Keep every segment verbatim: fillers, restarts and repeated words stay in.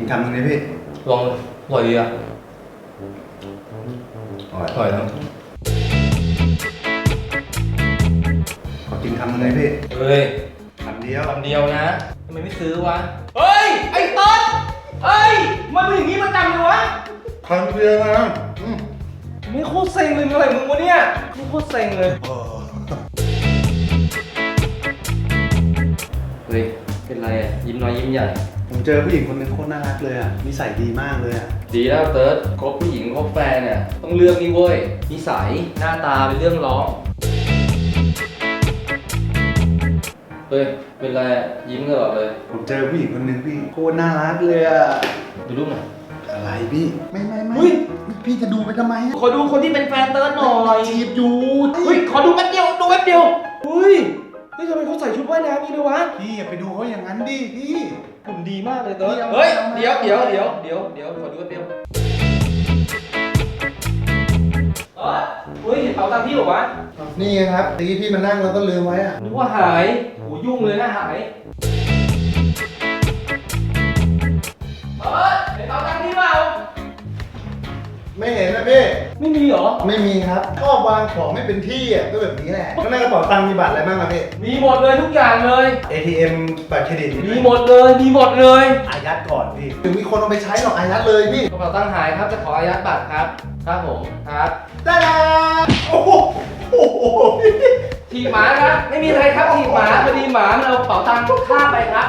คำนึงเลยพี่ลองเลยอร่อยดีอ่ะอร่อยนะขอกินคำนึงเลยพี่เฮ้ยคำเดียวคำเดียวนะทำไมไม่ซื้อวะเฮ้ยไอ้ต้นเฮ้ยมันเป็นอย่างนี้ประจำเลยวะคำเดียวนะไม่โคตรเซ็งเลยอะไรมึงวะเนี่ยไม่โคตรเซ็งเลยเฮ้ยเป็นไรอ่ะยิ้มน้อยยิ้มใหญ่ผมเจอผู้หญิงคนนึงโคตรน่ารักเลยอ่ะนิสัยดีมากเลยอ่ะดีแล้วเติร์ดคบผู้หญิงคบแฟนเนี่ยต้องเลือกนี่เว้ยนิสัยหน้าตาเป็นเรื่องร้องเฮ้ยเป็นไรยิ้มตลอดเลยผมเจอผู้หญิงคนนึงพี่โคตรน่ารักเลยอ่ะดูรูปหน่อยอะไรพี่ไม่ไม่ไม่พี่จะดูไปทำไมขอดูคนที่เป็นแฟนเติร์ดหน่อยจีบอยู่เฮ้ยขอดูแป๊บเดียวดูแป๊บเดียวเฮ้ยเฮ้ยทำไมเขาใส่ชุดว่ายน้ำนี่เลยวะพี่อย่าไปดูเขาอย่างนั้นดิพี่หุ่นดีมากเลยเติร์ดเฮ้ยเดี๋ยวเดี๋ยวเดี๋ยวเดี๋ยวเดี๋ยวขอดูแป๊บเดียวเออเฮ้ยเห็นเป๋าตังค์พี่หรอวะนี่ไงครับตะกี้พี่มานั่งแล้วก็ลืมไว้อ่ะนึกว่าหายโหยุ่งเลยนะหายเออเห็นเป๋าตังค์พี่เปล่าไม่เห็นนะพี่ไม่มีเหรอไม่มีครับชอบวางของไม่เป็นที่อ่ะก็แบบนี้แหละข้างในกระเป๋าตังค์มีบัตรอะไรบ้างครับพี่มีหมดเลยทุกอย่างเลยเอ ที เอ็ม บัตรเครดิตมีหมดเลยมีหมดเลยอายัดก่อนพี่ถึงมีคนเอาไปใช้หรอกอายัดเลยพี่กระเป๋าตังค์หายครับจะขออายัดบัตรครับครับผมครับได้แล้วโอ้โหถีบหมาครับไม่มีอะไรครับถีบหมาพอดีหมามันเอากระเป๋าตังค์ข้ามไปครับ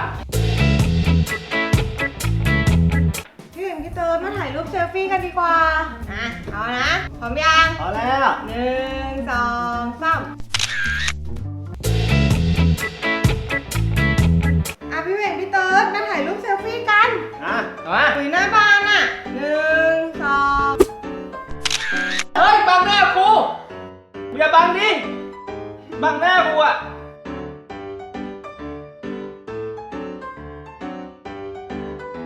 พี่เติร์ดมาถ่ายรูปเซลฟี่กันดีกว่าอ่ะเอานะพร้อมยังพร้อมแล้วหนึ่งสองสามอ่ะพี่เว่งพี่เติร์ดมาถ่ายรูปเซลฟี่กันอ่ะมาคุยหน้าบ้านอ่ะหนึ่งสองเฮ้ยบังหน้ากูอย่าบังดิบังหน้ากูอ่ะ